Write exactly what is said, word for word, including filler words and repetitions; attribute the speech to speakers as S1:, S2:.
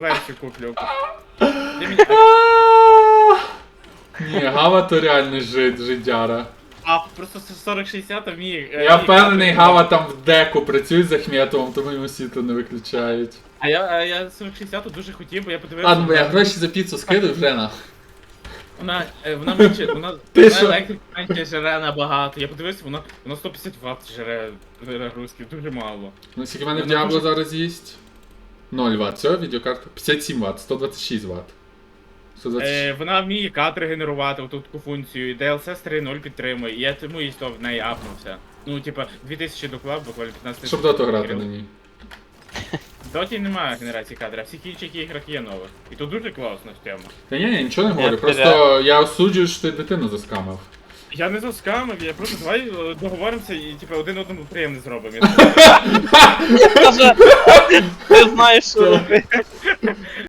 S1: версію куплю.
S2: Ні, Гава то реально жид, жидяра.
S1: А просто сорок шістдесят вміє... е,
S2: Я
S1: вміє
S2: впевнений,
S1: грати.
S2: Гава там в деку працює з Ахметовим, тому йому світло не виключають.
S1: А я, а я сорок шістдесят дуже хотів, бо я подивився...
S2: Ладно, бо я
S1: на-
S2: гроші за піцу скидаю вже на.
S1: Вона, е, вона менше, вона,
S2: Ти
S1: вона
S2: що?
S1: електрик менше жере набагато. Я подивився, вона, вона сто п'ятдесят ватт жере нагрузки, дуже мало.
S2: Ну, скільки в мене в
S1: Вона
S2: Діабло
S1: дуже-
S2: зараз їсть? ноль ватт. Все, відеокарта. п'ятдесят сім ватт, сто двадцять шість ватт. сто двадцять шість.
S1: Е, вона вміє кадри генерувати, оту таку функцію, і ді ел ес ес три точка нуль підтримує, і я тому і в неї апнувся. Ну, типа, дві тисячі доклав, буквально п'ятнадцять
S2: Щоб доту грати на ній.
S1: В доті немає генерації кадрів, а в всіх інших іграх є нових. І тут дуже класна тема.
S2: Та ні, я нічого не говорю,
S3: Я
S2: просто я осуджую, що ти дитину заскамив.
S1: Я не заскамив, я просто давай е, договоримося і типа один одному приємне зробимо.
S3: Каже, ти знаєш, що робити.